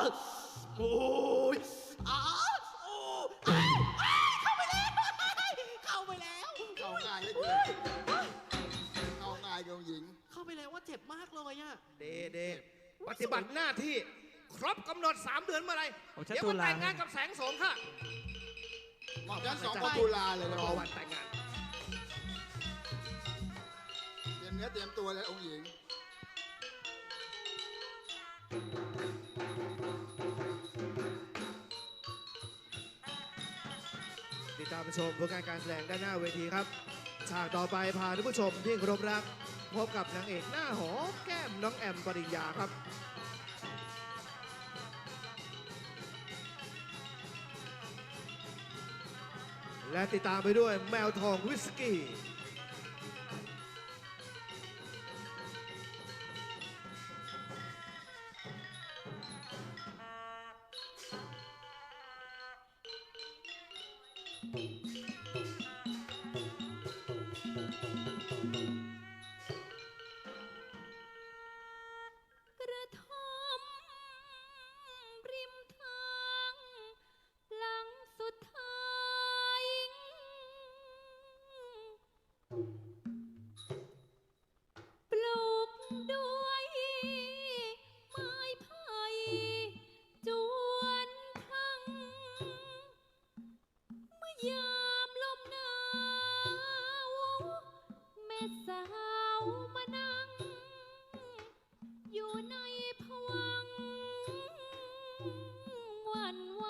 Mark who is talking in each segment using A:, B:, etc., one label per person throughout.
A: โอ้ยอ้าวโอ้อ้าวอ้าวเข้าไปแล้วเข้าไปแล้ว
B: เข้าง่ายเลยเข้าง่ายกับหญิง
A: เข้าไปแล้วว่าเจ็บมากเลยอะ
C: เดปฏิบัติหน้าที่ครบกำหนด3 เดือนเมื่อไหร
D: โอ้ชัด
C: เดี๋ยว
D: ตุ
C: มา
D: ลา
C: แต่งงานกับแสงโสมค่ะ
B: หมอฉัน2 ตุลาเลยนะ
C: รอวันแต่งงาน
B: เตรียมเนื้อเตรียมตัวเลยองค์หญิง
C: ติดตามชมผลงานการแสดงด้านหน้าเวทีครับ ฉากต่อไปพาท่านผู้ชมที่เคารพรัก พบกับนางเอกหน้าหอมแก้มน้องแอมปริญญาครับ และติดตามไปด้วยแมวทองวิสกี้
E: กระท่อมริมทางหลังสุดท้ายปลูกด้วยไม้ไผ่จวนพังเมื่อยามลมหนาวแม่สาวมานั่งอยู่ในภวังค์หวั่นไหว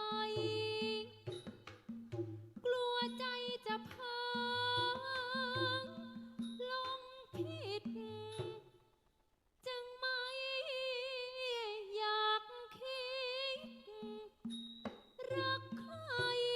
E: กลัวใจจะพังลงผิดจึงไม่อยากคิดรักใคร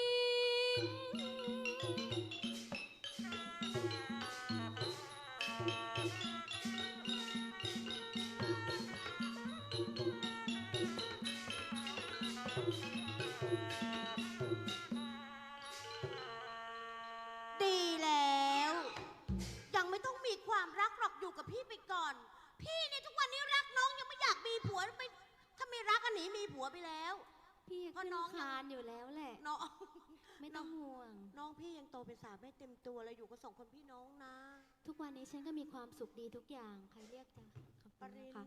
F: ดีแล้ว ยังไม่ต้องมีความรักหรอกอยู่กับพี่ไปก่อน พี่เนี่ยทุกวันนี้รักน้องยังไม่อยากมีผัวไปถ้าไม่รักก็หนีมีผัวไปแล้ว
E: พี่
F: เพราะ
E: ขึ้น
F: น้อง
E: คานอยู่แล้วแหละ
F: น้อง
E: ไม่ต้องห่วง
F: น้องพี่ยังโตเป็นสาวไม่เต็มตัวเลยอยู่กับ2 คนพี่น้องนะ
E: ทุกวันนี้ฉันก็มีความสุขดีทุกอย่าง ใครเรียกจ้ะขอบ
F: ป
E: คุณ
F: ริ
E: นะ
F: น
E: คะ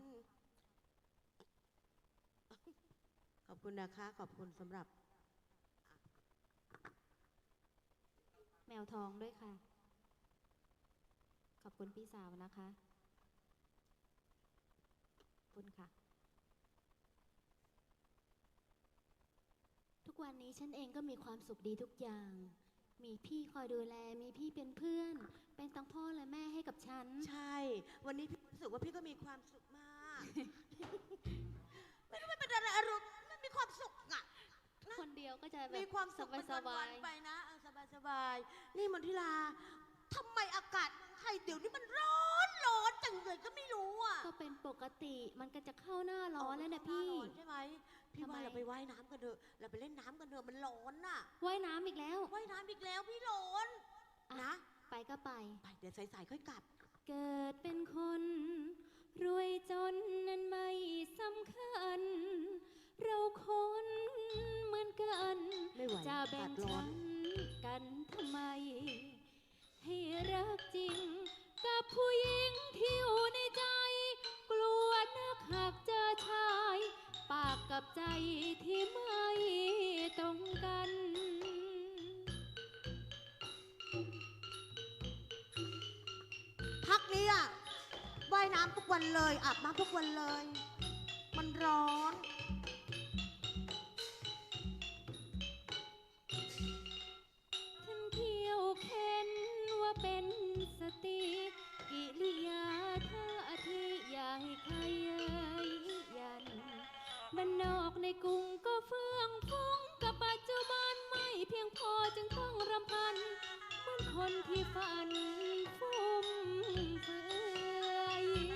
F: ขอบคุณนะคะขอบคุณสำหรับ
E: แมวทองด้วยค่ะ ขอบคุณพี่สาวนะคะ ขอบคุณค่ะ ทุกวันนี้ฉันเองก็มีความสุขดีทุกอย่าง มีพี่คอยดูแล มีพี่เป็นเพื่อน เป็นทั้งพ่อและแม่ให้กับฉัน
F: ใช่ วันนี้พี่รู้สึกว่าพี่ก็มีความสุขมาก ไม่รู้มันเป็นอะไรอารมณ์มันมีความสุขอะนะ
E: คนเดียวก็จะแบบ
F: มีความสุข
E: สบาย
F: ๆไปนะสบายๆนี่มนทิลาทำไมอากาศเมืองไทยเดี๋ยวนี้มันร้อนจังเลยก็ไม่รู้อ่ะ
E: ๆก็เป็นปกติ มันก็จะเข้าหน้าร้อนแล้วนะพี่
F: ร้อนใช่ไหมพี่
E: ทำไม
F: ว่าเราไปว่ายน้ำกันเถอะเราไปเล่นน้ำกันเถอะมันร้อนน่ะ
E: ว่ายน้ำอีกแล้ว
F: ว่ายน้ำอีกแล้วพี่ร้อน
E: อ่
F: นะ
E: ไปก็ไป
F: ไปเดี๋ยวสายๆค่อยกลับ
E: เกิดเป็นคน รวยจนนั้นไม่สำคัญ เราคนเหมือนกัน
F: ไม่ไหว
E: จะแบ่ง
F: อากาศร้อ
E: ชั้
F: น
E: นกันทำไม ให้รักจริง กับผู้หญิงที่อยู่ในใจ กลัวนักหากเจอชาย ปากกับใจที่ไม่ตรงกัน
F: พักนี้อ่ะว่ายน้ำทุกวันเลยอาบน้ำทุกวันเลย มันร้อน
E: ฉันเที่ยวเค้นว่าเป็นสติกิริยาท่าทีอย่าให้ใครเย้ยยันบ้านนอกในกรุงก็เฟื่องฟุ้งกับปัจจุบันไม่เพียงพอจึงต้องรำพันเหมือนคนที่ฝันฟุ่มเฟือย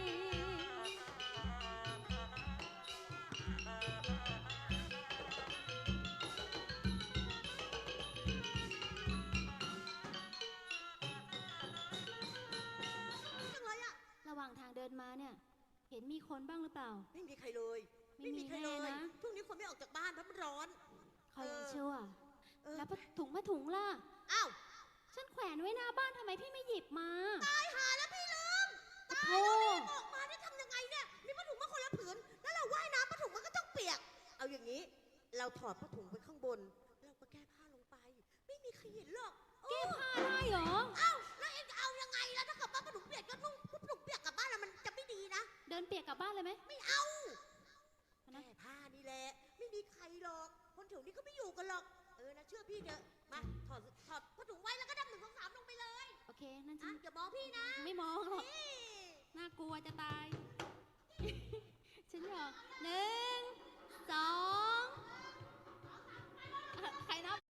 F: จังเลยอ่ะ
E: ระหว่างทางเดินมาเนี่ย เห็นมีคนบ้างหรือเปล่า
F: ไม่มีใครเลย
E: ไม่มี
F: ใครเลย
E: แน่นะ
F: ช่วงนี้ฝคนไม่ออกจากบ้านเพราะมันร้อน
E: คอยยังชั่ว
F: เออ
E: แล้วผ้าถุงล่ะ
F: อ้าว
E: ฉันแขวนไว้หน้าบ้านทำไมพี่ไม่หยิบมา
F: ตายหาแล้วพี่ลืมตาย
E: โอ้
F: แล้วรีบออกมาได้ทำยังไงเนี่ยมีผ้าถุงมาคนละผืนแล้วเราว่ายน้ำผ้าถุงมันก็ต้องเปียก เอาอย่างนี้ เราถอดผ้าถุงไปข้างบนเราก็แก้ผ้าลงไป ไม่มีใครเห็นหรอก
E: แก้ผ้าได้เหรอ
F: เอ้าแล้วเอ็งจะเอายังไงล่ะถ้าเกิดว่าผ้าถุงเปียกก็นุ่งผ้าถุงเปียกกลับบ้านแล้วมันจะไม่ดีนะ
E: เดินเปียกกลับบ้านเลยไหม
F: ไม่เอา
E: นะ
F: แก้ผ้านี่แหละไม่มีใครหรอกคนแถวนี้ก็ไม่อยู่กันหรอกนะเชื่อพี่เถอะมาถอดผ้าถุงไว้แล้วก็ดับ1 2 3ลงไปเลย
E: โอเค นั่นฉั
F: อ่ะ
E: น
F: อย่ามองพี่นะ
E: ไม่มองหรอก
F: นี่
E: น่ากลัวจะตาย ฉันหยอก1 2ใครนับ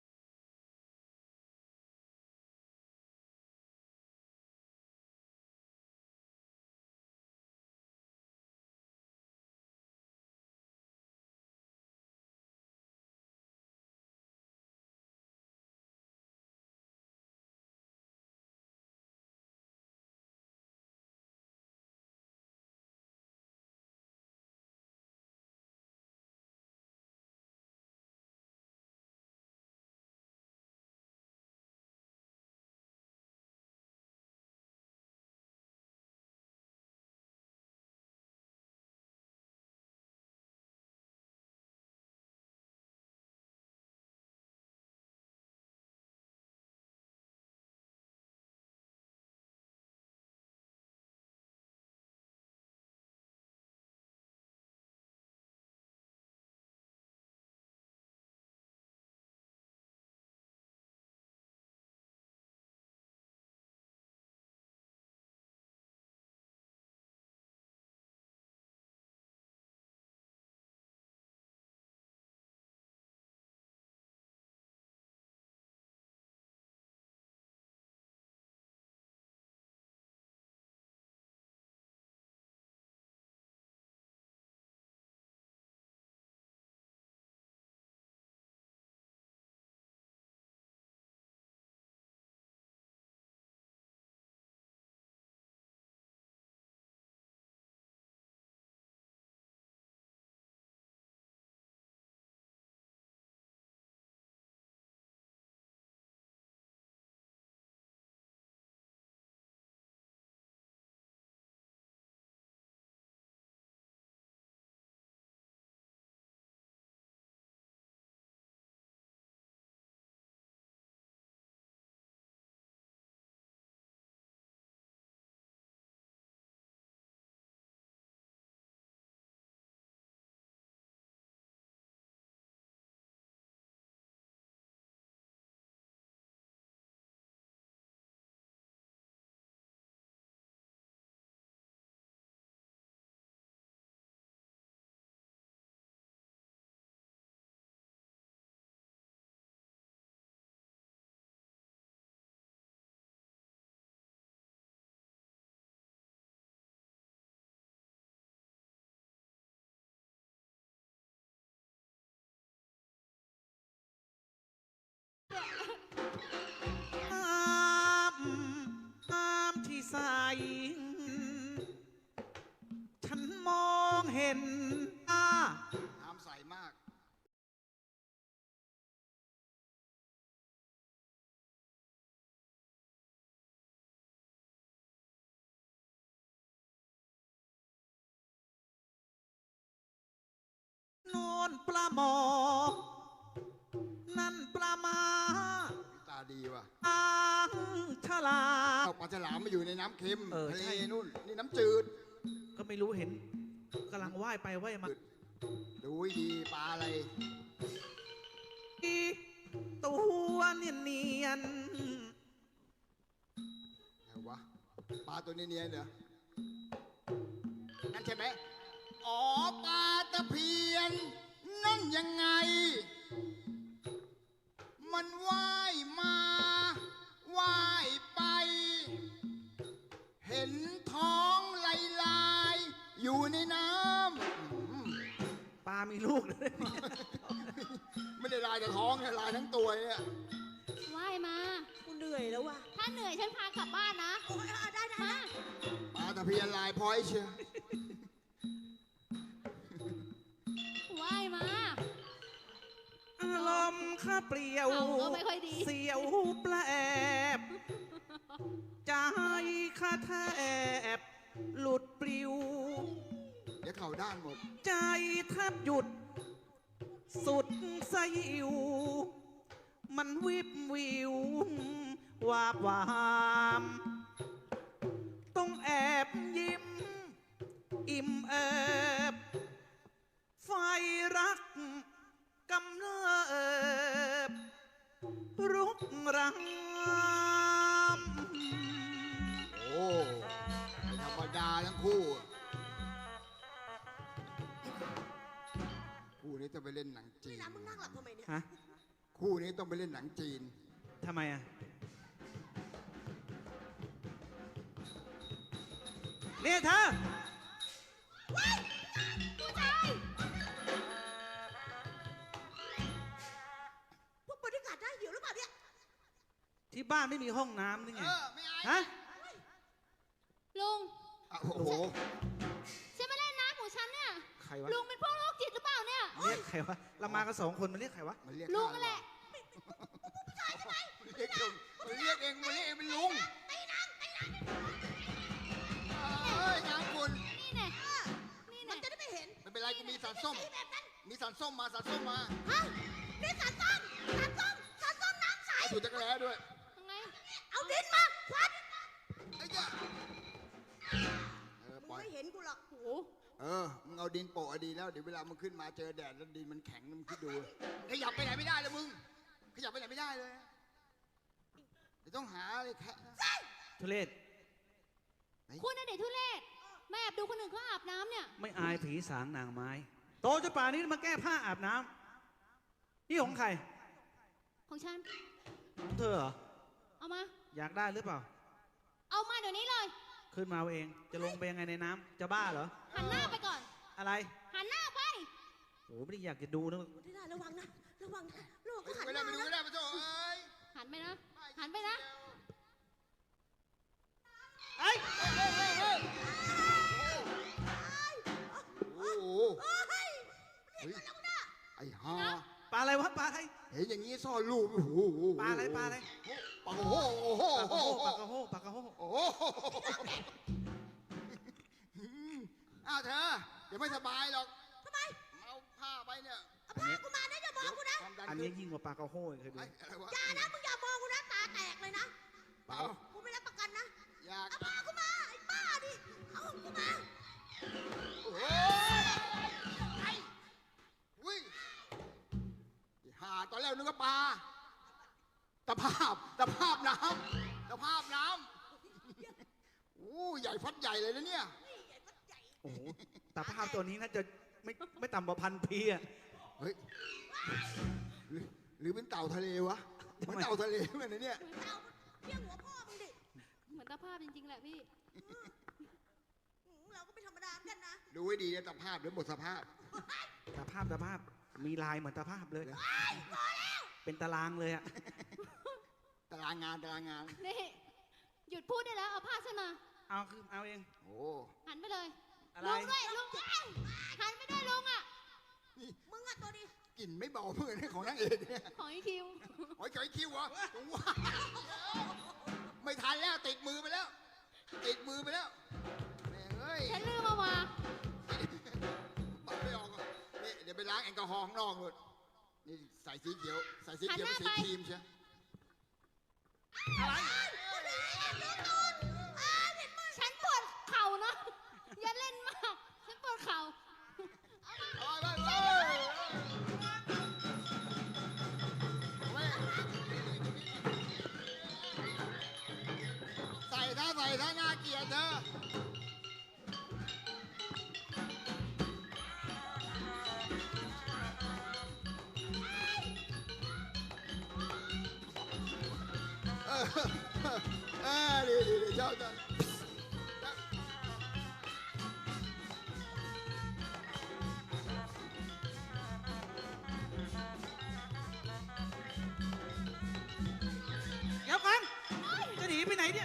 A: น้ำที่ใสฉันมองเห็น
B: น้ำใสมาก
A: โนนปลาหมอ นั่นปลามา
B: ตาดีว่ะ
A: อ่างฉลาด
B: เอาปลาฉลามมาอยู่ในน้ำเค็ม
A: เออ
B: ทะเล
A: ใช่
B: นู่น นี่น้ำจืด
A: ก็ไม่รู้เห็นกำลังว่ายไปว่ายมา
B: ดูให้ดีปลาอะไร
A: ตัวเนียน
B: ไหนวะ ปลาตัวเนียนๆเหรอ นั่นใช่ไหม อ๋อ ปลาตะเพียน นั่นยังไง มันว่ายมาว่ายไป เห็นท้องลายๆอยู่ในน้ำ
A: ๆปลามีลูกเลย
B: ไม่ได้ลายแต่ท้องนะลายทั้งตัวเนี่ย
E: ว่ายมา
F: กูเหนื่อยแล้วว่ะ
E: ถ้าเหนื่อยฉันพากลับบ้านนะ
F: โอ้ยได้
E: มา
B: ปลาตะเพียนลายพร้อยเชียว
E: ว่ายมา
A: ข้าเปลี่ยว
E: เอาก็ไม่ค่อยดี
A: เสียวแปลบใจข้าแทบหลุดปลิว
B: เดี๋ยวเข่าด้านหมด
A: ใจแทบหยุด สุดสยิว มันวิบวิว วาบวามต้องแอบยิ้ม อิ่มเอิบไฟรักกำเนิบรุกราม
B: โอ้ไม่ธรรมดาทั้งคู่คู่นี้ต้องไปเล่นหนังจี
F: นี่
B: น
F: นะมึงนั่งหลับทำไมเนี่ย
A: ฮะ
B: คู่นี้ต้องไปเล่นหนังจีน
A: ทำไมอ่ะเนี่ยเธอ
E: ผู้ชาย
F: พวกบริการได้หิวหรือเปล่าเนี่ย
A: ที่บ้านไม่มีห้องน้ำนี่ไง
B: ไม่อาย
A: ฮะ
E: ลุง
B: อ่ะโอ้โห
E: ฉันมาเล่นน้ำของฉันเนี่ย
A: ใครวะ
E: ลุงเป็นพวกโรคจิตหรือเปล่าเนี่ย
A: เรียกใครวะ เรามากันสองคนมันเรียกใครวะ
B: มันเรียก
E: ลุง
B: ข้า
E: นั่นแหละ
B: เรียกเองมันเรียกเองมันเรียกเองเป็นลุงเอ้ยนางคุณ
E: นี่แน่นี่
F: มั
E: แน่
F: นจะได้ไม่เห็น
B: ไม่เป็นไรกูมีสันส้ม
F: ไอ้แบบนั้น
B: มีสันส้มมาสันส้มมา
F: ฮะนี่สารส้มสารส้มสารส้มน้ำใส
B: ถูกจักรแร้ด้วย
E: ยังไง
F: เอาดินมาควัน
B: ไอ้เจ้า
F: มึง
B: ปล่อย
F: ไม่เห็นกูหรอก
E: โอ้โห
B: มึงเอาดินโปะดีแล้ว เดี๋ยวเวลามึงขึ้นมาเจอแดดแล้วดินมันแข็งมึงคิดดู ขยับไปไหนไม่ได้เลยมึง ขยับไปไหนไม่ได้เลยเดี๋ยวต้องหาอะไรแค่
A: ทุเรศ
E: คุณน่ะเด็กทุเรศแม่แอบดูคนอื่นเขาอาบน้ำเนี่ย
A: ไม่อายผีสางนางไม้ โตจนป่านนี้มาแก้ผ้าอาบน้ำนี่ของใคร
E: ของฉัน
A: ของเธอเหรอ
E: เอามา
A: อยากได้หรือเปล่า
E: เอามาเดี๋ยวนี้เลย
A: ขึ้นมาเอาเอง จะลงไปยังไงในน้ำจะบ้าเหรอ
E: หันหน้าไปก่อน
A: อะไร
E: หันหน้าไป
A: โอ้ไม่ได้อยากจะดูนะ
F: ที่ได้ระวังนะ ระวังนะลูก
B: ไป
F: ก็หัน
B: ดู
F: มา
B: ไม่ได้ไปดูไม่
F: นะ
B: ได้มาโจ้เอ้ย
E: หันไปนะ หันไปนะ
A: ไอ้ย
B: โอ้โห
F: เฮ้ย
B: เฮ้ยไอ้ห่า
A: ปลาอะไรวะปลาอะไร
B: เห็นอย่างนี้ซ่อนรูปโอ้โห
A: ปลาอะไรปลาอะไร
B: ปลาโอ้โหโอ้โห
A: ปลากระโฮปลากระโฮปลากระโฮ
B: โอ้โหอ้าวเธอ เดี๋ยวไม่สบายหรอก
F: ทำไม
B: เอาผ้าไปเนี่ย
F: เอาผ้ากูมานะอย่ามองกูนะ
B: ความดัน
A: อัน
B: ขึ้
A: นี้ยิ่งกว่าปลากระโฮอีกเคยดู
B: ไอ้อะไรวะ
F: อย่านะมึงอย่ามองกูนะตาแตกเลยนะ
B: เปล่า
F: กูไม่รับประกันนะ
B: อยาก
F: เอาผ้ากูมาไอ้บ้าดิ เอาของกูมา
B: โอ้ไอ้อุ้ยหาตอนแรกนึกว่าปลาตะภาพน้ำตะภาพน้ำโอ้ใหญ่ฟัดใหญ่เลยนะเนี่ย
A: โอ้โหแต่ภาพตัวนี้น่าจะไม่ต่ำกว่า1,000 ปีอะ
B: เฮ้ยหรือเป็นเต่าทะเลวะเหมือนเต่าทะเลเหมือนนะเนี่ย
F: เอาเที่ยงหัวพ่อมึงดิ
E: เหมือนตาภาพจริงๆแหละพี่
F: เราก็ไม่ธรรมดาเหมือนกันนะ
B: ดูไว้ดีนะตะภาพหรือหมดสภาพ
A: แต่ภาพมีลายเหมือนตาภาพเลย เป็นตารางเลยอะ
B: ตารางงาน
E: นี่ หยุดพูดได้แล้ว เอาผ้าฉันมา
A: เอาเอง
B: โอ้
E: หันไปเลย
A: อะไร
E: ลุงด้วยลุงหันไปด้วยลุงอ่ะ
F: มึงอะตัวดี
B: กลิ่นไม่เบาเพื่อนของนางเอกเนี่ย
E: ของอีคิว
B: โอ้ยไก่คิววะว้าไม่ทันแล้วติดมือไปแล้วแม่งเอ้ย
E: ฉันลืมเอามา
B: ปัดไม่ออกอ่ะนี่เดี๋ยวไปล้างแอลกอฮอล์ข้างนอกเลยนี่ใส่สีเขียวเป็นสีครีมเชียว
E: ฉันปวดเข่านะ อย่าเล่นมาก ฉันปวดเข่า
B: ใส่ถ้าน่าเกลียดเธอดีชอบจัง
A: เดี๋ยวก่อนจะหนีไปไหนเนี่ย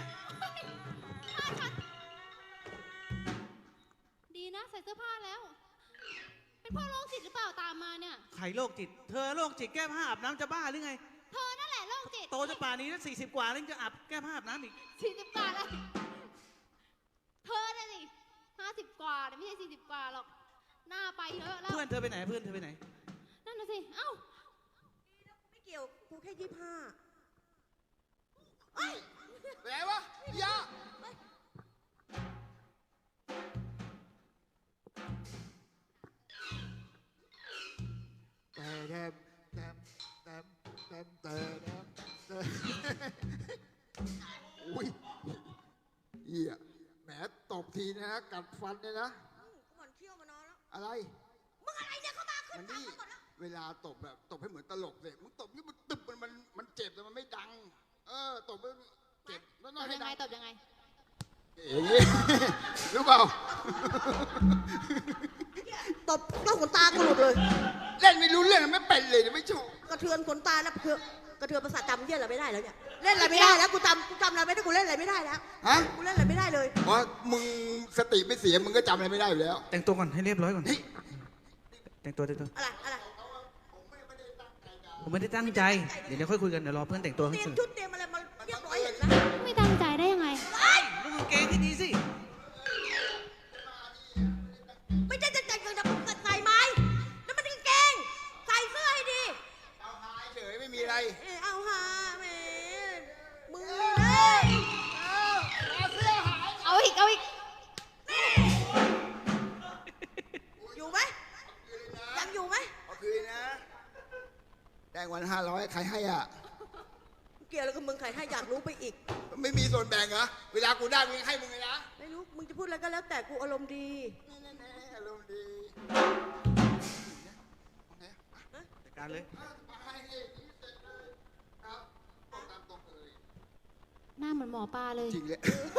E: ดีนะใส่เสื้อผ้าแล้ว เป็นพ่อโรคจิตหรือเปล่าตามมาเนี่ย
A: ใครโรคจิต เธอโรคจิตแก้ผ้าอาบน้ำจะบ้าหรือไง
E: เธอนั่นแหละโรคจิต
A: โตจะป่านนี้แล้ว40 กว่าแล้วยังจะอาบแก้ผ้าอาบน้ำอีก
E: 40 กว่าเลยเธอน่ะสิ50 กว่าแต่ไม่ใช่40 กว่าหรอกหน้าไปเยอะแล้ว
A: เพื่อนเธอไปไหน เพื่อนเธอไปไหน
E: นั่นน่ะสิเอ้า
F: ไม่เกี่ยวกูแค่25
B: ไปไหนวะยาแต่อุ้ยเหี้ยแหมตบทีนะกัดฟันเนี่ยนะ
F: กูหมันเที่ยวมานอนแล้ว
B: อะไร
F: มึงอะไรเนี่ยเข้ามาขึ้
B: มัน น
F: ตาม
B: นี่
F: มาก่อนแล้ว
B: เวลาตบแบบตบให้เหมือนตลกเลยมึงตบนี่มันตึบมันเจ็บแต่มันไม่ดัง ตบให้เจ็บแล้ว
E: ต
B: น้อย
E: บ
B: ให้
E: ยังไง
B: ดัง
E: ตบยังไง
B: อย่างงี้ รู้เปล่า
F: ตบแล้วขนตากูหลุดเลย
B: เล่นไม่รู้เรื่องไม่เป็นเลยไม่ถูก
F: กระเทือนขนตาแล้วกระเทือนประสาทจำเยี่ยอะไรไม่ได้แล้วเนี่ย เล่นอะไรไม่ได้แล้วกูจำอะไรไม่ได้กูเล่นอะไรไม่ได้แล้ว
B: ฮะ
F: กูเล่นอะไรไม่ได้เลย
B: เพราะมึงสติไม่เสียมึงก็จำอะไรไม่ได้อยู่แล้ว
A: แต่งตัวก่อนให้เรียบร้อยก่อน
B: เฮ้ย
A: แต่งตัว
F: อะไร
A: ผมไม่ได้ตั้งใจ เดี๋ยวค่อยคุยกัน เดี๋ยวรอเพื่อนแต่งตัว
F: เต
A: ให้
F: รีย
A: เส
F: ม
A: ร็จ
F: ชุดเตรียมอะไรมาเรียบร้อยเห็นไหม
E: ไม่ตั้งใจได้ยังไง
A: ลูกกางเกงที่ดีสิ
F: ไม่ใช่จะแต่งกับใส่ไหมนั่นมันกางเกง ใส่เสื้อให้ดี
B: เอาหายเฉยไม่มีอะไร
F: เอาหาแหมมึงเลย
E: เอาอีก
F: อยู่ไหมยังอยู่ไหม
B: เอาคืนนะ ได้วัน500ใครให้อ่ะ
F: เกี่ยวแล้วกับมึงใครให้อยากรู้ไปอีก
B: ไม่มีส่วนแบ่งเหรอ เวลากูได้มึงให้มึงเลยนะ
F: ไม่รู้มึงจะพูดอะไรก็แล้วแต่กูอารมณ์ดี
B: อารมณ์ดี
A: จัดการเลย
E: หน้าเหมือนหมอปลาเลย
B: จริงเลย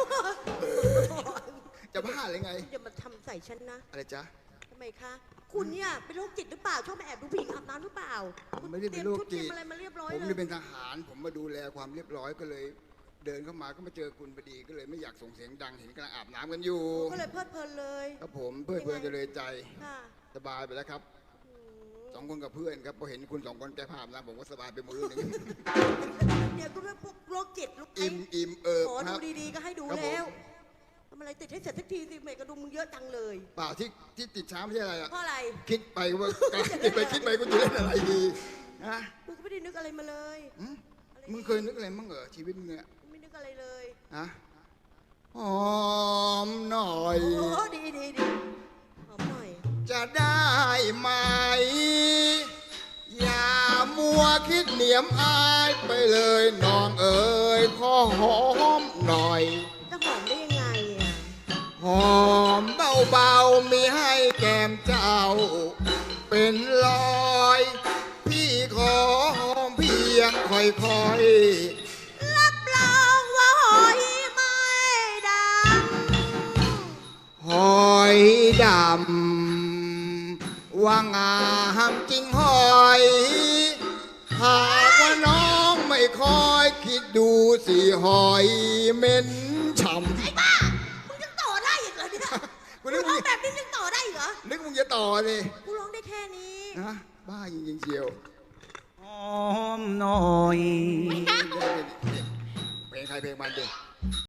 B: จะบ้าเลยไง
F: อย่ามาทำใส่ฉันนะ
B: อะไรจ๊ะ
F: ทำไมคะ คุณเนี่ยเป็นโรคจิตหรือเปล่า ชอบมาแอบดูผู้หญิงอาบน้ำหรือเปล่า
B: ผมไม่ได้เป็นโรคจิต
F: เตรียมอะไรมาเรียบร้อย
B: ผม
F: เล
B: นี่
F: ย
B: เป็นทหาร ผมมาดูแลความเรียบร้อยก็เลย เดินเข้ามาก็มาเจอคุณพอดีก็เลยไม่อยากส่งเสียงดังเห็นกำลังอาบน้ำกันอยู่
F: ก็เลยเพลิดเพลินเลย
B: ครับผมเพื่อนเพื่อนจะเลยใจ
F: ค่ะ
B: สบายไปแล้วครับ
F: อืม
B: 2 คนกับเพื่อนครับพอเห็นคุณ2 คนแก้ผ้าอาบน้ำผมก็สบายไปมื้อหนึง
F: เดี๋ยวกูเรื่องพวกโรคจิตลูกไอ้
B: อิ่ม
F: ขอ
B: ค
F: ดู
B: รับ
F: ดีๆก็ให้ดู
B: ครับผม
F: แล้วทำอะไรติดให้เสร็จสักทีสิเมย์กระดุมมึงเยอะจังเลย
B: เปล่าที่ติดช้าไม่ใช่อะไรอะ
F: เพราะอะไร
B: คิดไปว่าคิดไปกูจะเล่นอะไรดีนะ
F: กูก็ไม่ได้นึกอะไรมาเลย
B: หึมึงเคยนึกอะไรมั่งเหรอชีวิตมึงเนี่ย
F: ไม่นึกอะไรเลย
B: ฮะหอมหน่อย
F: โอ้ดีหอมหน่อย
B: จะได้ไหม อย่ามัวคิดเหนียมอายไปเลยน้องเอ๋ยขอหอมหน่อย
F: จะหอมได้ยังไงอ่ะ
B: หอมเบาๆมีให้แก้มเจ้า เป็นรอย พี่ขอหอมเพียงค่อย
F: รับรองว่าหอยไม่ด
B: ๆหอยดำว่างามจริงหอยหากว่าน้องไม่คอยคิดดูสิหอยเหม็นฉ่ำ
F: ำไอ้บ้า มึงยังต่อได้อีกเหรอเนี่ย
B: กู
F: กู
B: นึก
F: ร้องแบบนี้ยังต่อได้อีกเหรอ
B: นึกมึงจะต่อเลย
F: กูร้องได้แค่นี้
B: นะบ้าจริงๆเชียว
A: หอมหน่อย
B: เพลงใครเพลงมันเด็ก